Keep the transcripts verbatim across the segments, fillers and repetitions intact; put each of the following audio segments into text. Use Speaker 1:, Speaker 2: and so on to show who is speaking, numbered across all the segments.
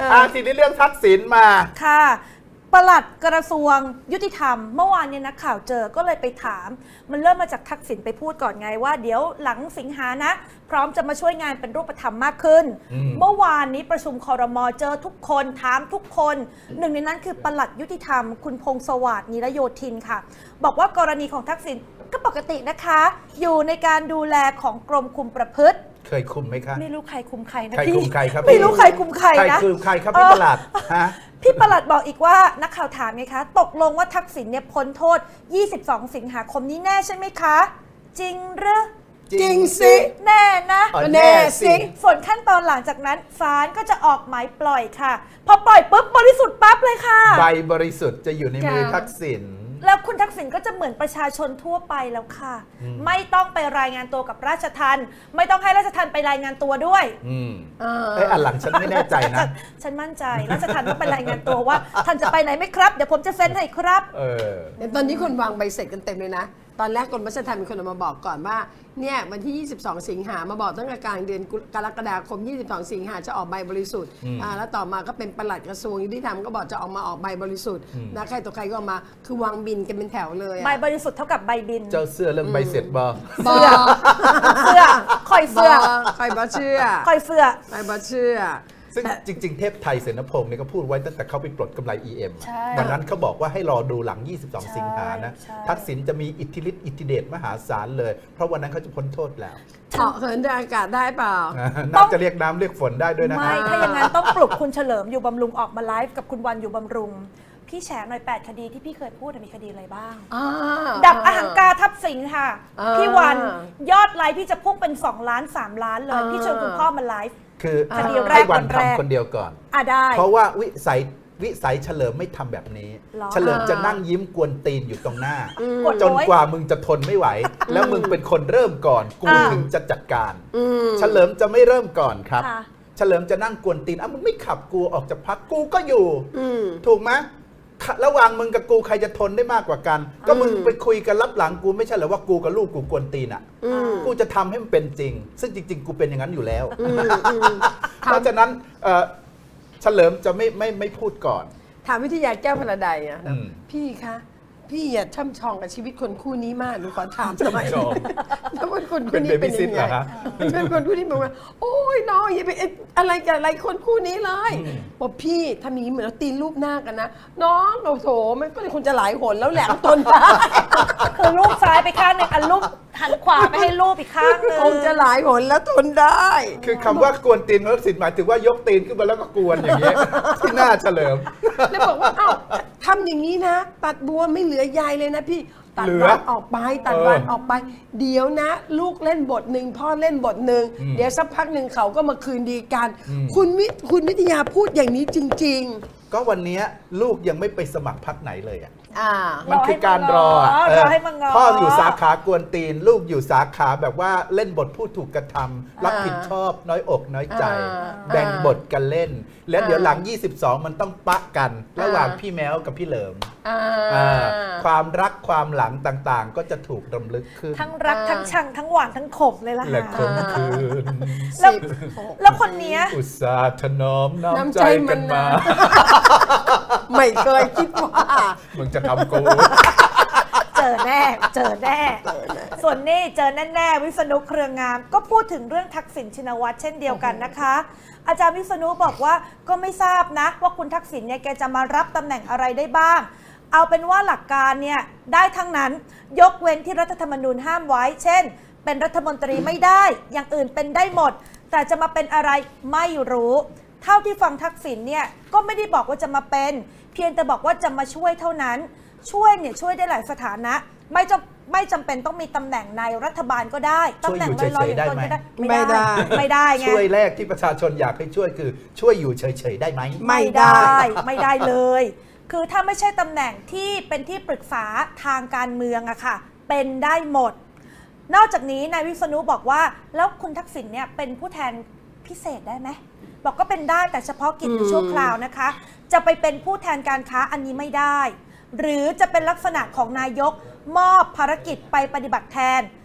Speaker 1: อาทีนี้เรื่องทักษิณมา
Speaker 2: ค่ะปลัดกระทรวงยุติธรรมเมื่อวานเนี่ยนักข่าวเจอก็เลยไปถามมันเริ่มมาจากทักษิณไปพูดก่อนไงว่าเดี๋ยวหลังสิงหานะพร้อมจะมาช่วยงานเป็นรูปธรรมมากขึ้นเมื่อวานนี้ประชุมครม.เจอทุกคนถามทุกคนหนึ่งในนั้นคือปลัดยุติธรรมคุณพงษ์สวัสดิ์นิรโยธินค่ะบอกว่ากรณีของทักษิณก็ปกตินะคะอยู่ในการดูแลของกรมคุมประพฤติ
Speaker 1: เคยคุมไหมคะ
Speaker 2: ไม่รู้ใครคุมใครนะ
Speaker 1: ใครคุมใครครับ
Speaker 2: ไม่รู้ใครคุมใครนะ
Speaker 1: ใครคุมใครครับพี่ปลัดฮะ
Speaker 2: พี่ปลัดบอกอีกว่านักข่าวถามไงคะตกลงว่าทักษิณเนี่ยพ้นโทษยี่สิบสองสิงหาคมนี้แน่ใช่ไหมคะจริงหรือ
Speaker 1: จริงสิ
Speaker 2: แน่นะ
Speaker 1: แน่สิ
Speaker 2: ส่วนขั้นตอนหลังจากนั้นศาลก็จะออกหมายปล่อยค่ะพอปล่อยปุ๊บบริสุทธิ์ปั๊บเลยค่ะ
Speaker 1: ใบบริสุทธิ์จะอยู่ในมือทักษิณ
Speaker 2: แล้วคุณทักษิณก็จะเหมือนประชาชนทั่วไปแล้วค่ะไม่ต้องไปรายงานตัวกับราชทัณฑ์ไม่ต้องให้ราชทัณฑ์ไปรายงานตัวด้วย
Speaker 1: อืมไอ้อันหลังฉันไม่แน่ใจนะ
Speaker 2: ฉันมั่นใจราชทัณฑ์ต้องไปรายงานตัวว่าท่านจะไปไหนไหมครับเดี๋ยวผมจะเซ็นให้ครับ
Speaker 1: เออ
Speaker 3: เดี๋ยวตอนนี้คนวางใบเสร็จกันเต็มเลยนะตอนแรกกรมราชทัณฑ์มีคนมาบอกก่อนว่าเนี่ยวันที่ยี่สิบสองสิงหามาบอกตั้งแต่กลางเดือนกรกฎาคมยี่สิบสองสิงหาจะออกใบบริสุทธิ์อ่าแล้วต่อมาก็เป็นปลัดกระทรวงยุติธรรมก็บอกจะออกมาออกใบบริสุทธิ์นะใครต่อใครก็ออกมาคือวางบินกันเป็นแถวเลย
Speaker 2: ใบบริสุทธิ์เท่ากับใบบิน
Speaker 1: เจ้าเสื้อเรื่องใบเสร็จบอ
Speaker 2: เสื้อเสื้อคอยเสื้อ
Speaker 3: คอยบอเชื่อ
Speaker 2: คอยเสื้อ
Speaker 3: คอยบอเชื่อ
Speaker 1: ซึ่งจริงๆเทพไทยเสนพงศ์เนี่ยก็พูดไว้ตั้งแต่เขาไปปลดกำไร อี เอ็ม ดังนั้นเขาบอกว่าให้รอดูหลังยี่สิบสองสิงหานะทักษิณจะมีอิทธิฤทธิ์อิทธิเดชมหาศาลเลยเพราะวันนั้นเขาจะพ้นโทษแล้ว
Speaker 3: เหาะเหินอากาศได้เปล่า
Speaker 1: น่าจะเรียกน้ำเรียกฝนได้ด้วยนะ
Speaker 2: ไม่ถ้าอย่างนั้นต้องปลุกคุณเฉลิมอยู่บำรุงออกมาไลฟ์กับคุณวันอยู่บำรุงพี่แฉหน่อยแปดคดีที่พี่เคยพูดมีคดีอะไรบ้างดับอหังการทับสิงค่ะพี่วันยอดไลฟ์พี่จะพุ่งเป็นสองล้านสามล้านเลยพี่ชวนคุณพ่อมาไลฟ์
Speaker 1: คือให้วันทำคนเดียวก่อน
Speaker 2: อ่ะได้
Speaker 1: เพราะว่าวิสัยวิสัยเฉลิมไม่ทำแบบนี้เฉลิมจะนั่งยิ้มกวนตีนอยู่ตรงหน้าจนกว่ามึงจะทนไม่ไหวแล้วมึงเป็นคนเริ่มก่อนกูถึงจะจัดการเฉลิมจะไม่เริ่มก่อนครับเฉลิมจะนั่งกวนตีนอ่ะมึงไม่ขับกูออกจากพักกูก็อยู่ถูกไหมระหว่างมึงกับกูใครจะทนได้มากกว่ากันก็มึงไปคุยกันรับหลังกูไม่ใช่เหรอว่ากูกับลูกกูกวนตีนอ่ะกูจะทำให้มันเป็นจริงซึ่งจริงๆกูเป็นอย่างนั้นอยู่แล้วเพราะฉะนั้นเฉลิมจะไม่ไม่ไม่พูดก่อน
Speaker 3: ถามวิทยาแก้วพลาไดอ่ะพี่คะพี่อย่าช่ำชองกับชีวิตคนคู่นี้มากหนูขอถามทำไมแล้วคนคนคู่นี้เป็นยังไงเป็นคนคู่นี้บอกว่าโอ้ยน้องอย่าไปอะไรกับอะไรคนคู่นี้เลยบอกพี่ถ้ามีเหมือนเราตีนรูปหน้ากันนะน้องโอ้โถมันก็เลยคงจะหลายหนแล้วแหละทนได้
Speaker 2: คือรูปซ้ายไปข้างหนึ่งอันรูปหันขวาไปให้รูปอีกข้างนึง
Speaker 3: คงจะหลายหนแล้วทนได้
Speaker 1: คือคำว่ากวนตีนทักษิณหมายถึงว่ายกตีนขึ้นมาแล้วก็กวนอย่างนี้ที่หน้าเฉลิม
Speaker 3: แล้วบอกว่าเอ้าทำอย่างนี้นะตัดบัวไม่เหลือใยเลยนะพี่ตัดวันออกไปตัดวันออกไปเดี๋ยวนะลูกเล่นบทหนึ่งพ่อเล่นบทหนึ่งเดี๋ยวสักพักหนึ่งเขาก็มาคืนดีกันคุณวิคุณวิทยาพูดอย่างนี้จริงๆ
Speaker 1: ก็วันนี้ลูกยังไม่ไปสมัครพรรคไหนเลยอ่ะ
Speaker 2: มั
Speaker 1: นคือการรอพ่ออยู่สาขากวนตีนลูกอยู่สาขาแบบว่าเล่นบทผู้ถูกกระทำรับผิดชอบน้อยอกน้อยใจแบ่งบทกันเล่นแล้วเดี๋ยวหลังยี่สิบสองมันต้องปะกันระหว่างพี่แมวกับพี่เหลิมความรักความหลังต่างๆก็จะถูกรำลึกขึ้น
Speaker 2: ทั้งรักทั้งชังทั้งหวานทั้งขมเลยล่ะ
Speaker 1: และคมคืน
Speaker 2: แล้วคนนี้
Speaker 1: อุตส่าห์ถนอมน้ำใจกันมา
Speaker 3: ไม่เคยคิดว่า
Speaker 1: มึงจะทำกู
Speaker 2: เจอแน่เจอแน่ส่วนนี้เจอแน่ๆวิษณุเครืองามก็พูดถึงเรื่องทักษิณชินวัตรเช่นเดียวกันนะคะอาจารย์วิษณุบอกว่าก็ไม่ทราบนะว่าคุณทักษิณเนี่ยแกจะมารับตำแหน่งอะไรได้บ้างเอาเป็นว่าหลักการเนี่ยได้ทั้งนั้นยกเว้นที่รัฐธรรมนูญห้ามไว้เช่นเป็นรัฐมนตรีไม่ได้อย่างอื่นเป็นได้หมดแต่จะมาเป็นอะไรไม่รู้เท่าที่ฟังทักษิณเนี่ยก็ไม่ได้บอกว่าจะมาเป็นเพียงแต่บอกว่าจะมาช่วยเท่านั้นช่วยเนี่ยช่วยได้หลายสถานะไม่จำไม่จำเป็นต้องมีตำแหน่งในรัฐบาลก็ได้ตำแหน่งลอยๆอย่างตนก็ได้
Speaker 3: ไม่ได้
Speaker 2: ไม่ได้ไง
Speaker 1: ช่วยแรกที่ประชาชนอยากให้ช่วยคือช่วยอยู่เฉยๆได้ไหม
Speaker 2: ไม่ได้ไม่ได้เลยคือถ้าไม่ใช่ตำแหน่งที่เป็นที่ปรึกษาทางการเมืองอะค่ะเป็นได้หมดนอกจากนี้นายวิษณุบอกว่าแล้วคุณทักษิณเนี่ยเป็นผู้แทนพิเศษได้ไหมบอกก็เป็นได้แต่เฉพาะกิจชั่วคราวนะคะจะไปเป็นผู้แทนการค้าอันนี้ไม่ได้หรือจะเป็นลักษณะของนายกมอบภารกิจไปปฏิบัติแทน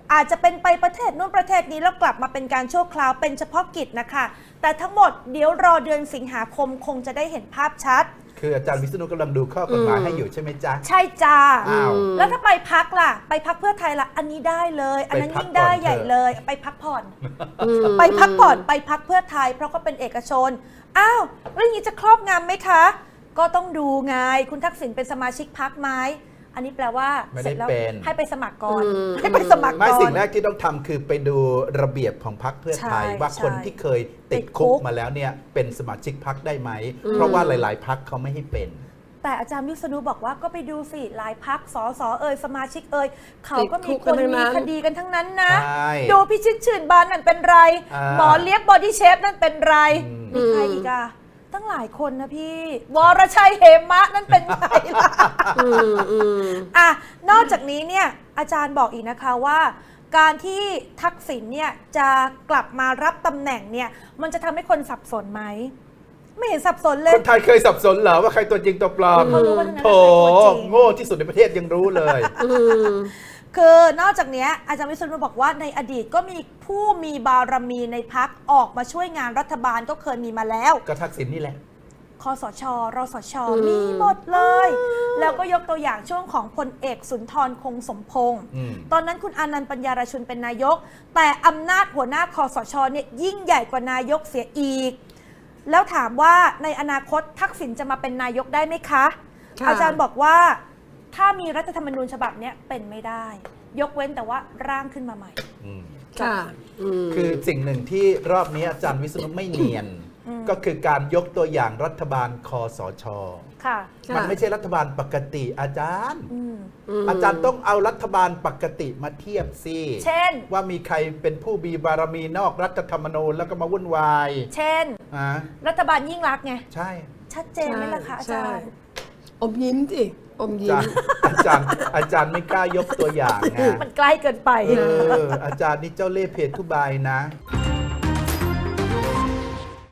Speaker 2: อาจจะเป็นไปประเทศนู้นประเทศนี้แล้วกลับมาเป็นการชั่วคราวเป็นเฉพาะกิจนะคะแต่ทั้งหมดเดี๋ยวรอเดือนสิงหาคมคงจะได้เห็นภาพชัด
Speaker 1: คืออาจารย์วิษณุกำลังดูข้อกฎหมายให้อยู่ใช่ไหมจ๊ะ
Speaker 2: ใช่จ้า
Speaker 1: อ้าว
Speaker 2: แล้วถ้าไปพักล่ะไปพักเพื่อไทยล่ะอันนี้ได้เลยอันนั้นยิ่งได้ใหญ่เลยไปพักผ่อนไปพักผ่อนไปพักเพื่อไทยเพราะก็เป็นเอกชนอ้าวแล้วอย่างนี้จะครอบงำไหมคะก็ต้องดูไงคุณทักษิณเป็นสมาชิกพรรคไหมอันนี้แปลว่าเสร็จแล้วให้ไปสมัครก่อนให้ไปสมัครก่อน
Speaker 1: ไม่สิ่งแรกที่ต้องทำคือไปดูระเบียบของพรรคเพื่อไทยว่าคนที่เคยติดคุกมาแล้วเนี่ยเป็นสมาชิกพรรคได้ไหมเพราะว่าหลายๆพรรคเขาไม่ให้เป็น
Speaker 2: แต่อาจารย์วิษณุบอกว่าก็ไปดูสิหลายพรรคสสเอ่ยสมาชิกเอ่ยเขาก็มีคนมีคดีกันทั้งนั้นนะดูพิชิตชื่นบานนั่นเป็นไรหมอเลี้ยงบอดี้เชฟนั่นเป็นไรมีใครอีกอะตั้งหลายคนนะพี่วรชัยเหมะนั่นเป็นใครล่ะอ่ะนอกจากนี้เนี่ยอาจารย์บอกอีกนะคะว่าการที่ทักษิณเนี่ยจะกลับมารับตำแหน่งเนี่ยมันจะทำให้คนสับสนไหมไม่เห็นสับสนเลย
Speaker 1: คนไทยเคยสับสนเหรอว่าใครตัวจริงตัวปลอมโถโง่ที่สุดในประเทศยังรู้เลย
Speaker 2: คือนอกจากนี้อาจารย์วิษณุบอกว่าในอดีตก็มีผู้มีบารมีในพรรคออกมาช่วยงานรัฐบาลก็เคยมีมาแล้ว
Speaker 1: ก็ทักษิณนี่แหละ
Speaker 2: คสชรสชมีหมดเลยแล้วก็ยกตัวอย่างช่วงของพลเอกสุนทรคงสมพงษ์ตอนนั้นคุณอานันต์ปัญญารชุนเป็นนายกแต่อำนาจหัวหน้าคสชเนี่ยยิ่งใหญ่กว่านายกเสียอีกแล้วถามว่าในอนาคตทักษิณจะมาเป็นนายกได้ไหมคะอาจารย์บอกว่าถ้ามีรัฐธรรมนูญฉบับนี้เป็นไม่ได้ยกเว้นแต่ว่าร่างขึ้นมาใหม่
Speaker 3: ค่ะ
Speaker 1: คือสิ่งหนึ่งที่รอบนี้อาจารย์วิษณุไม่เนียนก็คือการยกตัวอย่างรัฐบาลคสช.มันไม่ใช่รัฐบาลปกติอาจารย์อาจารย์ต้องเอารัฐบาลปกติมาเทียบสิ
Speaker 2: เช่น
Speaker 1: ว่ามีใครเป็นผู้มีบารมีนอกรัฐธรรมนูญแล้วก็มาวุ่นวาย
Speaker 2: เช่นรัฐบาลยิ่งรักษณ์ไง
Speaker 1: ใช่
Speaker 2: ชัดเจนไหมล่ะคะอาจารย์
Speaker 3: อมยิ้มสิอมยิ้ม
Speaker 1: อาจารย์อาจารย์ไม่กล้ายกตัวอย่างนะ
Speaker 2: มันใกล้เกินไป
Speaker 1: เอออาจารย์นี่เจ้าเล่ห์เพทุบายนะ